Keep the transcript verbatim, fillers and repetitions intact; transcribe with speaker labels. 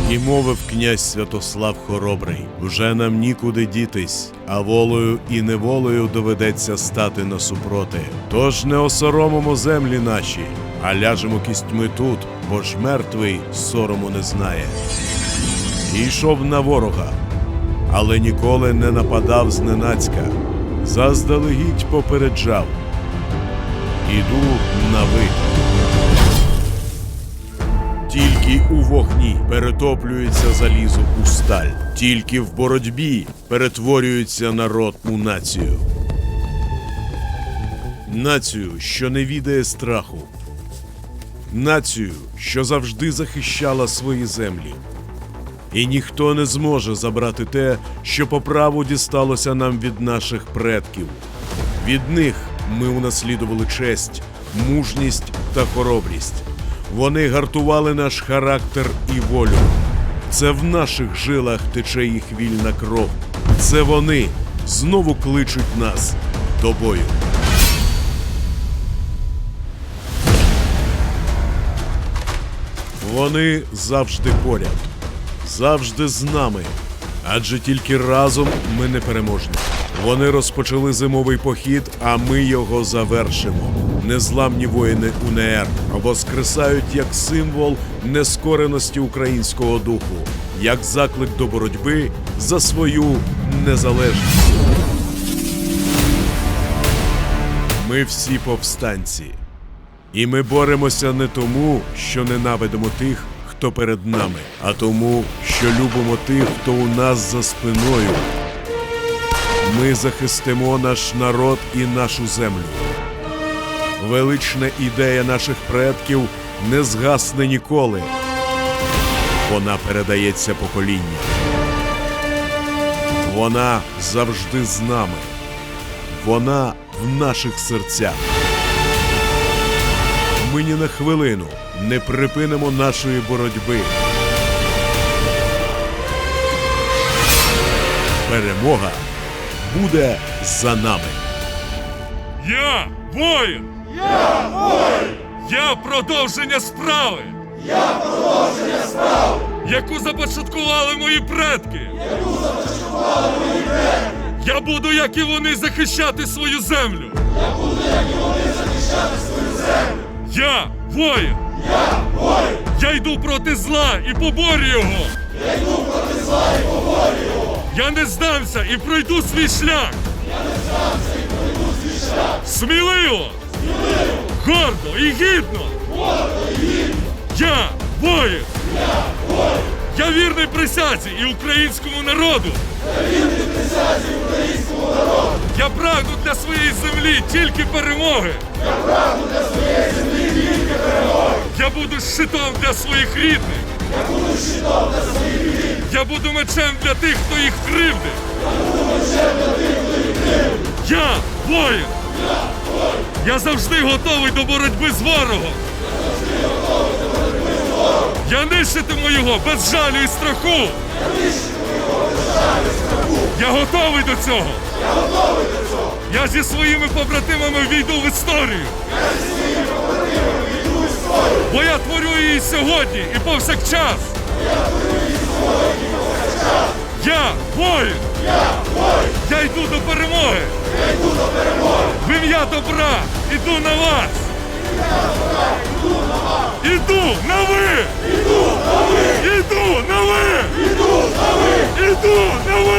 Speaker 1: І мовив князь Святослав Хоробрий: «Вже нам нікуди дітись, а волею і неволею доведеться стати насупроти. Тож не осоромимо землі наші, а ляжемо кістьми тут, бо ж мертвий сорому не знає». І йшов на ворога, але ніколи не нападав зненацька, заздалегідь попереджав: «Іду на ви». Тільки у вогні перетоплюється залізо у сталь, тільки в боротьбі перетворюється народ у націю. Націю, що не відає страху. Націю, що завжди захищала свої землі. І ніхто не зможе забрати те, що по праву дісталося нам від наших предків. Від них ми унаслідували честь, мужність та хоробрість. Вони гартували наш характер і волю. Це в наших жилах тече їх вільна кров. Це вони знову кличуть нас до бою. Вони завжди поряд, завжди з нами, адже тільки разом ми непереможні. Вони розпочали зимовий похід, а ми його завершимо. Незламні воїни УНР воскресають як символ нескореності українського духу, як заклик до боротьби за свою незалежність. Ми всі повстанці. І ми боремося не тому, що ненавидимо тих, хто перед нами, а тому, що любимо тих, хто у нас за спиною. Ми захистимо наш народ і нашу землю. Велична ідея наших предків не згасне ніколи. Вона передається поколінням. Вона завжди з нами. Вона в наших серцях. Ми ні на хвилину не припинимо нашої боротьби. Перемога буде за нами.
Speaker 2: Я воїн!
Speaker 3: Я воїн!
Speaker 2: Я продовження справи!
Speaker 3: Я продовження справи!
Speaker 2: Яку започаткували мої предки!
Speaker 3: Яку започаткували мої предки!
Speaker 2: Я буду, як і вони, захищати свою землю!
Speaker 3: Я буду, як і вони, захищати свою землю!
Speaker 2: Я воїн!
Speaker 3: Я воїн!
Speaker 2: Я йду проти зла і поборю його!
Speaker 3: Я йду проти зла і поборю його!
Speaker 2: Я не здамся і пройду свій шлях!
Speaker 3: Я не здамся і пройду свій шлях!
Speaker 2: Сміливо!
Speaker 3: Сміливо!
Speaker 2: Гордо і гідно!
Speaker 3: Гордо і гідно!
Speaker 2: Я воїн!
Speaker 3: Я воїн!
Speaker 2: Я вірний присязі і українському народу!
Speaker 3: Я вірний присязі українському народу!
Speaker 2: Я прагну для своєї землі тільки перемоги!
Speaker 3: Я прагну для своєї землі тільки перемоги!
Speaker 2: Я буду щитом для своїх рідних!
Speaker 3: Я буду щитом для своїх рідних!
Speaker 2: Я буду мечем для тих, хто їх кривдить!
Speaker 3: Я буду мечем для тих, хто їх кривдить!
Speaker 2: Я воїн!
Speaker 3: Я воїн!
Speaker 2: Я завжди готовий до боротьби з ворогом!
Speaker 3: Я завжди готовий до боротьби з ворогом!
Speaker 2: Я нищитиму його без жалю і страху!
Speaker 3: Я нищитиму його без жалю і страху!
Speaker 2: Я готовий до цього!
Speaker 3: Я готовий до цього!
Speaker 2: Я зі своїми побратимами війду в історію!
Speaker 3: Я зі своїми побратимами війду в історію!
Speaker 2: Бо я творю її сьогодні і повсякчас!
Speaker 3: Я творю її сьогодні і повсякчас!
Speaker 2: Я воїн!
Speaker 3: Я воїн!
Speaker 2: Я йду до перемоги!
Speaker 3: Я йду до перемоги!
Speaker 2: В ім'я добра іду на вас!
Speaker 3: Я добра, йду на вас!
Speaker 2: Іду на ви!
Speaker 3: Іду на ви!
Speaker 2: Іду на ви!
Speaker 3: Іду на ви!
Speaker 2: Іду на ви!